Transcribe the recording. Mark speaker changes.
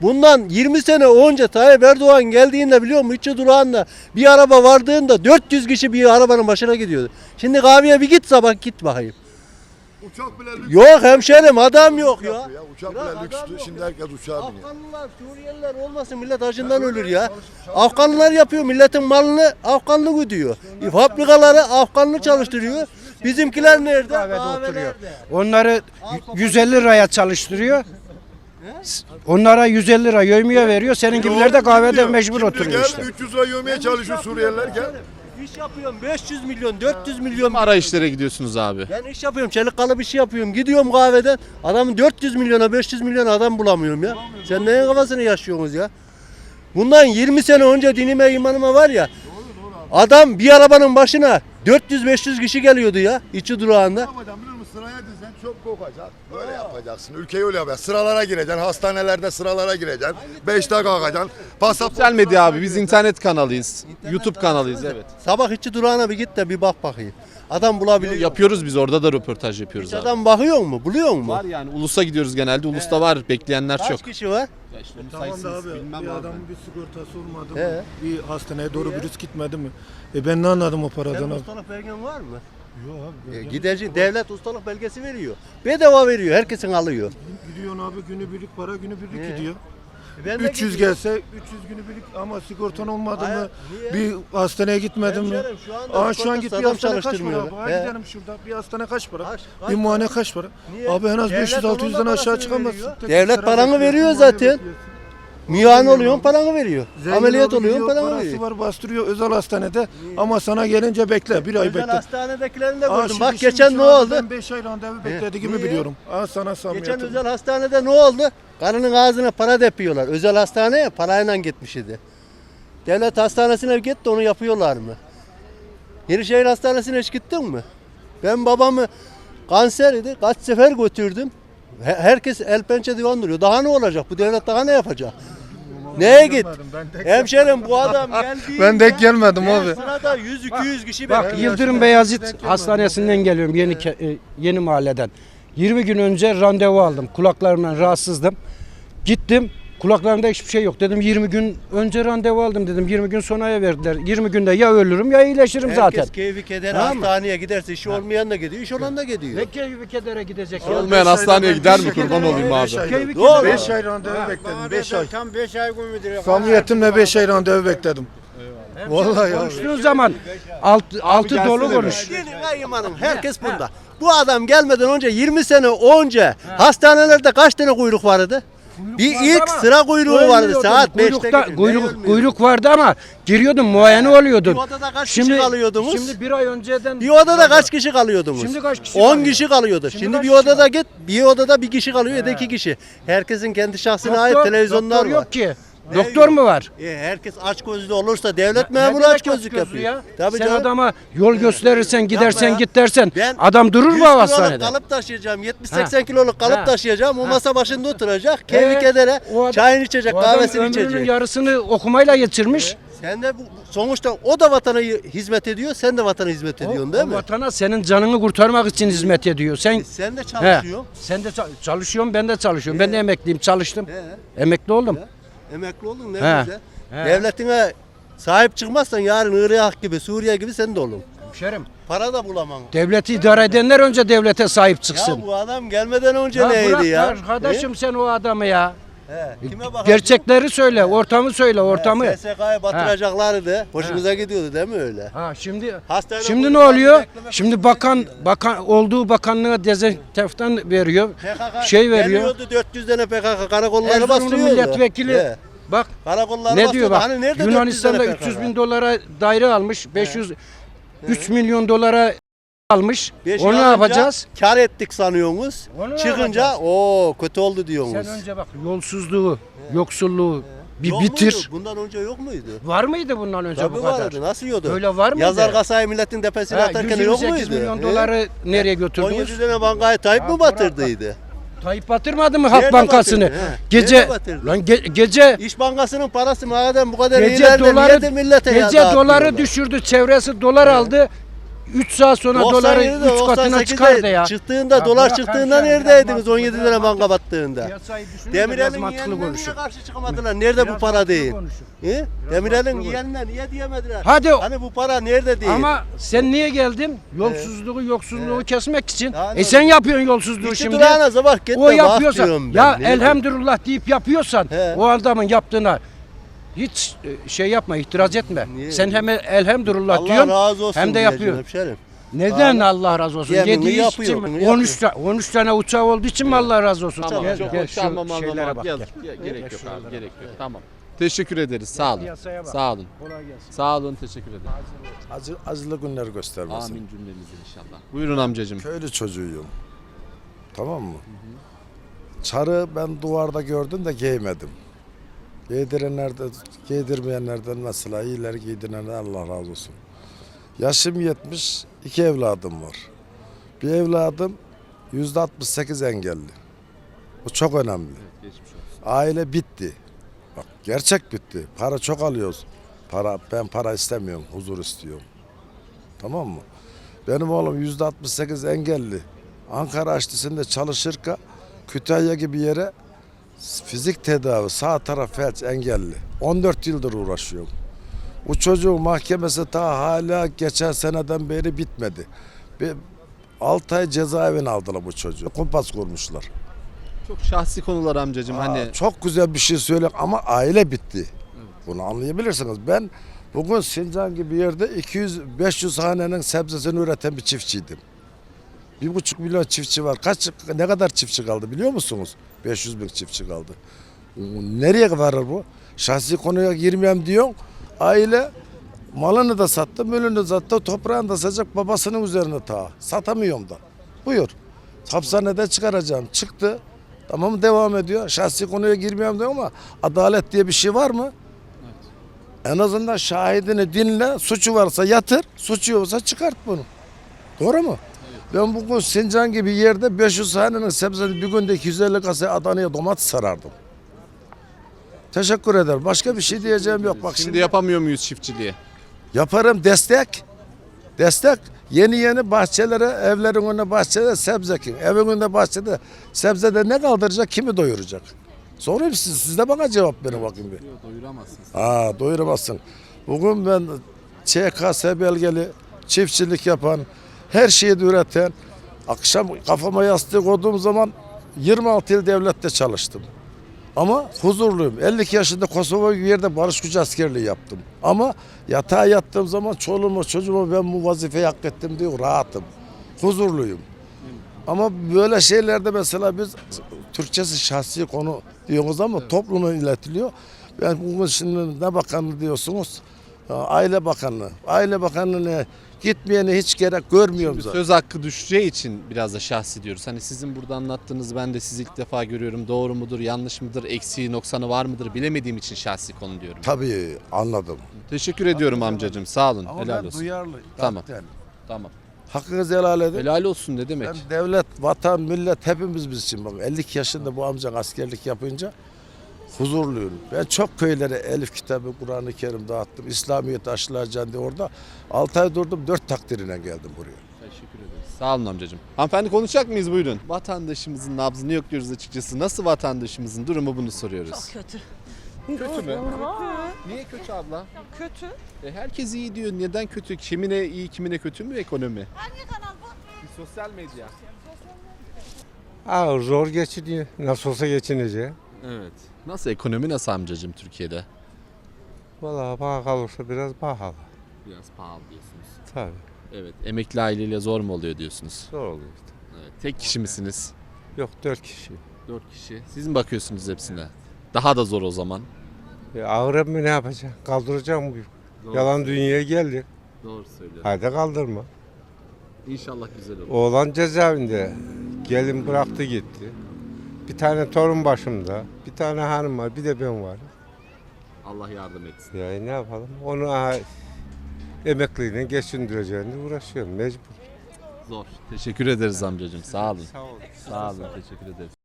Speaker 1: Bundan 20 sene önce Tayyip Erdoğan geldiğinde biliyor musun? İçi durağında bir araba vardığında 400 kişi bir arabanın başına gidiyordu. Şimdi kahveye bir git sabah git bakayım.
Speaker 2: Uçak bile lüks.
Speaker 1: Yok hemşerim adam yok ya.
Speaker 2: Uçak bile lükstü. Şimdi herkes uçağa biniyor.
Speaker 1: Afganlılar, Suriyeliler olmasın millet acından ölür ya. Afganlılar yapıyor milletin malını Afganlı ödüyor. Fabrikaları Afganlı çalıştırıyor. Bizimkiler nerede?
Speaker 3: Kahvede oturuyor.
Speaker 1: Kahvelerde.
Speaker 3: Onları 150 liraya çalıştırıyor. Onlara 150 lira yövmiye veriyor. Senin gibiler de kahvede mecbur oturuyor işte.
Speaker 2: Gel 300 lira yövmeye çalışıyor Suriyeliler gel.
Speaker 1: İş yapıyorum 500 milyon 400 milyon.
Speaker 4: Arayışlara gidiyorsunuz abi.
Speaker 1: Ben iş yapıyorum çelik kalı bir şey yapıyorum. Gidiyorum kahveden adamın 400 milyona 500 milyon adam bulamıyorum ya. Sen neyin kafasını yaşıyorsunuz ya? Bundan 20 sene önce dinime imanıma var ya. Adam bir arabanın başına 400-500 kişi geliyordu ya içi durağında.
Speaker 2: Ne yapacaksın biliyor musun? Sıraya dizeceksin çöp kokacak. Öyle yapacaksın. Ülkeyi öyle yapacaksın. Sıralara gireceksin. Hastanelerde sıralara gireceksin. 5'te kalkacaksın.
Speaker 4: Sosyal medya abi, biz internet kanalıyız. YouTube kanalıyız, evet.
Speaker 1: Sabah içi durağına bir git de bir bak bakayım. Adam bulabiliyor.
Speaker 4: Yapıyoruz biz, orada da röportaj yapıyoruz
Speaker 1: Hiç
Speaker 4: abi.
Speaker 1: adam bakıyor mu? Buluyor mu?
Speaker 4: Var yani, Ulus'a gidiyoruz genelde. Ulus'ta var, bekleyenler
Speaker 1: Kaç
Speaker 4: çok.
Speaker 1: kişi var?
Speaker 5: Tamam da abi bir adamın bir sigortası olmadı
Speaker 1: He.
Speaker 5: mı? Bir hastaneye doğru virüs gitmedi mi? Ben ne anladım o paradan
Speaker 1: Senin
Speaker 5: abi?
Speaker 1: ustalık belgen var mı?
Speaker 5: Yok abi.
Speaker 1: Gidecek devlet ustalık belgesi veriyor. Bedava veriyor. Herkesin alıyor.
Speaker 5: Gidiyorsun abi günübirlik para günübirlik gidiyor.
Speaker 1: Ben de
Speaker 5: 300
Speaker 1: gidiyorum.
Speaker 5: gelse 300 günübirlik ama sigortan olmadı
Speaker 1: Hayır,
Speaker 5: mı?
Speaker 1: niye?
Speaker 5: Bir hastaneye gitmedin mi?
Speaker 1: Hemşerim, şu anda
Speaker 5: Aa şu an git bir
Speaker 1: sigortasız adam
Speaker 5: hastane kaç para
Speaker 1: çalıştırmıyor.
Speaker 5: abi? Ha
Speaker 1: He.
Speaker 5: gidelim şurada bir hastane kaç para?
Speaker 1: Kaç
Speaker 5: Bir muayene kaç para?
Speaker 1: Niye?
Speaker 5: Abi en az
Speaker 1: Devlet
Speaker 5: 500-600'den
Speaker 1: onun da
Speaker 5: aşağı
Speaker 1: parasını
Speaker 5: çıkamazsın.
Speaker 1: veriyor.
Speaker 5: Tek
Speaker 1: Devlet
Speaker 5: sıra
Speaker 1: paranı
Speaker 5: bekliyorsun,
Speaker 1: veriyor
Speaker 5: muayene
Speaker 1: zaten.
Speaker 5: bekliyorsun.
Speaker 1: Müan oluyorsun paranı veriyor.
Speaker 5: Zengin
Speaker 1: Ameliyat
Speaker 5: abi
Speaker 1: oluyorsun
Speaker 5: gidiyor,
Speaker 1: paranı
Speaker 5: parası
Speaker 1: veriyor.
Speaker 5: var bastırıyor özel hastanede ama sana gelince bekle bir ay
Speaker 1: Özel
Speaker 5: bekle.
Speaker 1: hastanedekilerini de
Speaker 5: Aa,
Speaker 1: gördüm.
Speaker 5: şimdi-
Speaker 1: Bak
Speaker 5: şimdi
Speaker 1: geçen
Speaker 5: şu
Speaker 1: ne
Speaker 5: an
Speaker 1: oldu?
Speaker 5: Ben 5 ay randevu bekledi gibi
Speaker 1: Niye?
Speaker 5: biliyorum. Aa sana
Speaker 1: Geçen
Speaker 5: samimiyetim.
Speaker 1: özel hastanede ne oldu? Karının ağzına para depiyorlar. Özel hastaneye parayla gitmiş idi. Devlet hastanesine git de onu yapıyorlar mı? Yenişehir Hastanesi'ne hiç gittin mi? Ben babamı kanser idi. Kaç sefer götürdüm. Herkes el pençe divan duruyor. Daha ne olacak? Bu devlet daha ne yapacak? Neye git? Hemşerim bu adam geldi.
Speaker 5: Ben denk gelmedim abi.
Speaker 1: Sırada 100-200 kişi
Speaker 3: Bak
Speaker 1: bekliyor.
Speaker 3: Yıldırım Beyazıt Hastanesi'nden geliyorum yeni mahalleden. 20 gün önce randevu aldım. Kulaklarımdan rahatsızdım. Gittim. Kulaklarımda hiçbir şey yok. Dedim 20 gün önce randevu aldım dedim. 20 gün sonraya verdiler. 20 günde ya ölürüm ya iyileşirim zaten.
Speaker 1: Herkes keyfi keder
Speaker 3: Tamam mı?
Speaker 1: hastaneye giderse işi olmayan da gidiyor, iş olan da gidiyor.
Speaker 3: Ne keyfi kedere gidecek ya.
Speaker 4: Olmayan hastaneye gider mi, kurban olayım abi?
Speaker 3: Keyfi
Speaker 1: Doğru.
Speaker 3: kedere.
Speaker 5: 5 ay randevu bekledim 5 ay.
Speaker 6: Tam 5 ay müdür.
Speaker 5: Samimiyetimle 5 ay randevu bekledim. Vallahi abi.
Speaker 3: Konuştuğun zaman altı dolu
Speaker 4: gelsene
Speaker 3: konuş.
Speaker 1: Gelin ayım hanım, herkes bunda. Bu adam gelmeden önce 20 sene önce hastanelerde kaç tane kuyruk vardı? Bir ilk sıra kuyruğu vardı saat 5'te.
Speaker 3: Kuyruk vardı ama giriyordun muayene oluyordun.
Speaker 1: Bir odada kaç kişi kalıyordunuz?
Speaker 3: Şimdi bir ay önceden
Speaker 1: Bir odada kaç kişi kalıyordunuz?
Speaker 3: Şimdi kaç kişi
Speaker 1: 10
Speaker 3: kalıyor?
Speaker 1: kişi kalıyordu. Şimdi
Speaker 3: kaç
Speaker 1: bir
Speaker 3: kişi
Speaker 1: odada git, bir odada bir kişi kalıyor ya da 2 kişi. Herkesin kendi şahsına ait televizyonlar
Speaker 3: doktor
Speaker 1: var.
Speaker 3: yok ki. Doktor mu var?
Speaker 1: Herkes aç gözlü olursa devlet memuru
Speaker 3: Ne
Speaker 1: aç
Speaker 3: demek
Speaker 1: gözlük
Speaker 3: gözlü
Speaker 1: yapıyor. Tabii
Speaker 3: Sen
Speaker 1: canım.
Speaker 3: adama yol gösterirsen gidersen
Speaker 1: ya.
Speaker 3: git dersen
Speaker 1: Ben
Speaker 3: adam durur
Speaker 1: 100
Speaker 3: mu o
Speaker 1: kiloluk
Speaker 3: hastanede?
Speaker 1: kalıp taşıyacağım, 70-80 kiloluk kalıp
Speaker 3: Ha.
Speaker 1: taşıyacağım. O masa başında oturacak, keyfi
Speaker 3: Ee,
Speaker 1: kedere,
Speaker 3: o adam-
Speaker 1: çayını içecek,
Speaker 3: O adam
Speaker 1: kahvesini
Speaker 3: ömrünün
Speaker 1: içecek.
Speaker 3: yarısını okumayla geçirmiş.
Speaker 1: Sen de sonuçta o da vatana hizmet ediyor, sen de vatana hizmet ediyorsun değil
Speaker 3: O
Speaker 1: mi?
Speaker 3: vatana senin canını kurtarmak için hizmet ediyor. Sen
Speaker 1: Sen de
Speaker 3: He,
Speaker 1: çalışıyorsun.
Speaker 3: sen de çalışıyorsun, ben de çalışıyorum. Ben de emekliyim, çalıştım. Emekli oldum.
Speaker 1: Emekli oldun ne
Speaker 3: He.
Speaker 1: güzel.
Speaker 3: He.
Speaker 1: Devletine sahip çıkmazsan yarın Irak gibi, Suriye gibi sen de olun.
Speaker 3: Hemşerim.
Speaker 1: Para da bulamam.
Speaker 3: Devleti idare edenler önce devlete sahip çıksın.
Speaker 1: Ya bu adam gelmeden önce
Speaker 3: Ya
Speaker 1: neydi
Speaker 3: bırak
Speaker 1: ya?
Speaker 3: arkadaşım sen o adamı ya.
Speaker 1: He. Kime bakarsın?
Speaker 3: Gerçekleri söyle, ortamı söyle, ortamı.
Speaker 1: SSK'yı batıracaklardı. Hoşunuza gidiyordu değil mi öyle?
Speaker 3: Ha şimdi
Speaker 1: Hastanede
Speaker 3: şimdi ne
Speaker 1: polis
Speaker 3: oluyor?
Speaker 1: beklemek
Speaker 3: Şimdi bakan olduğu bakanlığa dezenfektan veriyor.
Speaker 1: PKK
Speaker 3: Şey veriyor.
Speaker 1: Geliyordu 400 tane PKK karakolları
Speaker 3: Erzurumlu
Speaker 1: bastırıyordu.
Speaker 3: milletvekili
Speaker 1: He.
Speaker 3: bak
Speaker 1: Karakolları
Speaker 3: ne diyor
Speaker 1: bastırıyordu.
Speaker 3: bak.
Speaker 1: Hani nerede
Speaker 3: Yunanistan'da
Speaker 1: 400 tane
Speaker 3: 300 bin dolara daire almış. 3 milyon dolara almış.
Speaker 1: Beş
Speaker 3: Onu ne
Speaker 1: alınca
Speaker 3: yapacağız?
Speaker 1: Kar ettik sanıyorsunuz.
Speaker 3: Onu ne
Speaker 1: Çıkınca
Speaker 3: yapacağız?
Speaker 1: o kötü oldu diyorsunuz.
Speaker 3: Sen önce bak yolsuzluğu, yoksulluğu bir
Speaker 1: Yok
Speaker 3: bitir.
Speaker 1: muydu? Bundan önce yok muydu?
Speaker 3: Var mıydı bundan önce
Speaker 1: Tabii
Speaker 3: bu kadar?
Speaker 1: vardı. Nasıl yiyordu?
Speaker 3: Öyle var mıydı?
Speaker 1: Yazar kasayı milletin tepesine
Speaker 3: Ha,
Speaker 1: atarken yok
Speaker 3: 128
Speaker 1: muydu?
Speaker 3: milyon
Speaker 1: He?
Speaker 3: doları nereye götürdünüz?
Speaker 1: 17 tane bankayı Tayyip mi batırdıydı?
Speaker 3: Tayyip batırmadı mı Halk
Speaker 1: Nerede
Speaker 3: Bankası'nı?
Speaker 1: batırdı, he?
Speaker 3: Gece
Speaker 1: Nerede batırdı?
Speaker 3: lan gece
Speaker 1: İş Bankası'nın parası madem bu kadar
Speaker 3: gece
Speaker 1: ileride
Speaker 3: doları
Speaker 1: niye de millete
Speaker 3: gece
Speaker 1: dağıtmıyorlar?
Speaker 3: doları düşürdü. Çevresi dolar aldı. 3 saat sonra doları
Speaker 1: 97'de,
Speaker 3: 3 katına
Speaker 1: 98'de
Speaker 3: çıkardı ya.
Speaker 1: Çıktığında,
Speaker 3: Ya
Speaker 1: dolar
Speaker 3: bırak
Speaker 1: çıktığında
Speaker 3: hemşerim,
Speaker 1: neredeydiniz?
Speaker 3: biraz
Speaker 1: 17 lira
Speaker 3: mantıklı-
Speaker 1: banka battığında.
Speaker 3: Piyasayı düşünün de
Speaker 1: Demirel'in
Speaker 3: biraz mantıklı
Speaker 1: yeğenine niye
Speaker 3: konuşun.
Speaker 1: karşı çıkamadılar? Nerede bu
Speaker 3: Biraz
Speaker 1: para
Speaker 3: mantıklı
Speaker 1: değil?
Speaker 3: konuşun.
Speaker 1: He? Demirel'in
Speaker 3: mantıklı
Speaker 1: yeğenine niye diyemediler?
Speaker 3: Hadi.
Speaker 1: Hani bu para nerede değil?
Speaker 3: Ama sen niye geldin? Yolsuzluğu, yoksulluğu kesmek için.
Speaker 1: Yani
Speaker 3: Sen yapıyorsun yolsuzluğu
Speaker 1: İki
Speaker 3: şimdi.
Speaker 1: durağına sabah git de
Speaker 3: O
Speaker 1: bak
Speaker 3: yapıyorsa
Speaker 1: diyorum ben.
Speaker 3: ya
Speaker 1: Ne diyeyim?
Speaker 3: elhamdülillah deyip yapıyorsan
Speaker 1: He.
Speaker 3: o adamın yaptığına hiç şey yapma, itiraz etme.
Speaker 1: Niye?
Speaker 3: Sen hem elhamdülillah
Speaker 1: Allah
Speaker 3: diyorsun
Speaker 1: razı olsun
Speaker 3: hem de
Speaker 1: diyeceğim
Speaker 3: yapıyorsun.
Speaker 1: hemşerim.
Speaker 3: Neden
Speaker 1: Vallahi-
Speaker 3: Allah razı olsun?
Speaker 1: Yeminini
Speaker 3: Yediği
Speaker 1: yapıyor,
Speaker 3: için mi?
Speaker 1: bunu
Speaker 3: 13 tane uçağı olduğu için mi Allah razı olsun?
Speaker 4: Tamam,
Speaker 3: Gel,
Speaker 4: çok
Speaker 3: gel,
Speaker 4: hoş
Speaker 3: şu
Speaker 4: almam
Speaker 3: şeylere
Speaker 4: almam.
Speaker 3: bak,
Speaker 4: Gel,
Speaker 3: gel.
Speaker 4: gerek yok abi, gerek yok. Tamam. Teşekkür ederiz. Sağ olun.
Speaker 3: Piyasaya bak.
Speaker 4: Sağ olun.
Speaker 3: Kolay gelsin.
Speaker 4: Sağ olun, teşekkür ederim.
Speaker 6: Acılı günler göstermesin.
Speaker 4: Amin cümlemize inşallah. Buyurun amcacığım.
Speaker 6: Köylü çocuğuyum. Tamam mı? Çarı ben duvarda gördüm de giymedim. Giydirmeyenlerden mesela iyileri giydirenler Allah razı olsun. Yaşım 70, 2 evladım var. Bir evladım %68 engelli. Bu çok önemli. Aile bitti. Bak gerçek bitti. Para çok alıyoruz. Ben para istemiyorum, huzur istiyorum. Tamam mı? Benim oğlum %68 engelli. Ankara Açlısı'nda çalışırken Kütahya gibi yere fizik tedavi, sağ taraf felç engelli. 14 yıldır uğraşıyorum. Bu çocuğun mahkemesi ta hala geçen seneden beri bitmedi. 6 ay cezaevine aldılar bu çocuğu. Kumpas kurmuşlar.
Speaker 4: Çok şahsi konular amcacığım. Hani
Speaker 6: Çok güzel bir şey söyle ama aile bitti. Bunu anlayabilirsiniz. Ben bugün Sincan gibi yerde 200-500 hanenin sebzesini üreten bir çiftçiydim. 1,5 milyon çiftçi var. Ne kadar çiftçi kaldı biliyor musunuz? 500 bin çiftçi kaldı. Nereye varır bu? Şahsi konuya girmeyeyim diyorsun. Aile malını da sattı, mülünü de sattı, toprağını da satacak babasının üzerine ta. Satamıyorum da. Buyur. Hapishaneden çıkaracağım. Çıktı. Tamam devam ediyor. Şahsi konuya girmeyeyim diyor ama adalet diye bir şey var mı? En azından şahidini dinle, suçu varsa yatır, suçu yoksa çıkart bunu. Doğru mu? Ben bugün Sincan gibi yerde 500 hanenin sebzesi bir günde 250 kasa Adana'ya domates sarardım. Teşekkür ederim. Başka bir şey diyeceğim yok. Bak
Speaker 4: şimdi yapamıyor muyuz çiftçiliği?
Speaker 6: yaparım destek. Destek. Yeni bahçelere, evlerin önüne bahçede sebze ekin. Evin önünde bahçede sebzede ne kaldıracak, kimi doyuracak? Sorayım siz de bana cevap verin bakayım bir.
Speaker 4: Yok, doyuramazsınız.
Speaker 6: Doyuramazsın. Bugün ben ÇKS belgeli çiftçilik yapan, her şeyi de üreten, akşam kafama yastık koyduğum zaman 26 yıl devlette çalıştım. Ama huzurluyum. 52 yaşında Kosova gibi yerde barış gücü askerliği yaptım. Ama yatağa yattığım zaman çoluğuma çocuğuma ben bu vazifeyi hak ettim diyor, rahatım. Huzurluyum. Ama böyle şeylerde mesela biz Türkçesi şahsi konu diyoruz ama topluma iletiliyor. Ben bugün şimdi ne bakanlığı diyorsunuz? Aile Bakanlığı. Aile Bakanlığı'na gitmeyene hiç gerek görmüyorum zaten.
Speaker 4: Söz hakkı düşeceği için biraz da şahsi diyoruz. Hani sizin burada anlattığınız ben de sizi ilk defa görüyorum. Doğru mudur, yanlış mıdır, eksiği, noksanı var mıdır bilemediğim için şahsi konu diyorum.
Speaker 6: Tabii anladım.
Speaker 4: Teşekkür ediyorum amcacığım. Sağ olun.
Speaker 6: Ama
Speaker 4: Helal
Speaker 6: ben
Speaker 4: olsun.
Speaker 6: duyarlı.
Speaker 4: Tamam.
Speaker 6: kalpten.
Speaker 4: Tamam.
Speaker 6: Hakkınızı helal edin.
Speaker 4: Helal olsun ne demek?
Speaker 6: Ben devlet, vatan, millet hepimiz biz için bak. 52 yaşında bu amcan askerlik yapınca huzurluyum. Ben çok köylere Elif kitabı, Kur'an-ı Kerim dağıttım. İslamiyet aşılayacaksın diye orada 6 ay durdum, 4 takdirine geldim buraya.
Speaker 4: Teşekkür ederiz. Sağ olun amcacığım. Hanımefendi konuşacak mıyız buyurun? Vatandaşımızın nabzını yokluyoruz açıkçası. Nasıl vatandaşımızın durumu bunu soruyoruz.
Speaker 7: Çok kötü.
Speaker 4: Kötü mü? Niye kötü abla?
Speaker 7: Kötü.
Speaker 4: Herkes iyi diyor. Neden kötü? Kimine iyi, kimine kötü mü ekonomi? Hangi kanal bu? Sosyal medya.
Speaker 8: Zor geçiniyor. Nasıl olsa geçinecek.
Speaker 4: Evet. Nasıl ekonomi nasıl amcacığım Türkiye'de?
Speaker 8: Vallahi bana kalırsa biraz pahalı.
Speaker 4: Biraz pahalı diyorsunuz.
Speaker 8: Tabii.
Speaker 4: Evet. Emekli aileyle zor mu oluyor diyorsunuz?
Speaker 8: Zor oluyor işte.
Speaker 4: Evet. Tek kişi misiniz?
Speaker 8: Yok 4 kişi.
Speaker 4: 4 kişi. Siz mi bakıyorsunuz hepsine? Daha da zor o zaman.
Speaker 8: Ağır mı ne yapacak? Kaldıracak mı? Yalan dünyaya geldi.
Speaker 4: Doğru söylüyorsun.
Speaker 8: Haydi kaldırma.
Speaker 4: İnşallah güzel olur.
Speaker 8: Oğlan cezaevinde. Gelin bıraktı gitti. Bir tane torun başımda. Bir tane hanım var. Bir de ben var.
Speaker 4: Allah yardım etsin.
Speaker 8: Ya ne yapalım? Onu emekliyle geçindireceğini uğraşıyorum. Mecbur.
Speaker 4: Zor. Teşekkür ederiz amcacığım. Sağ olun.
Speaker 8: Sağ olun.
Speaker 4: Sağ olun. Teşekkür ederiz.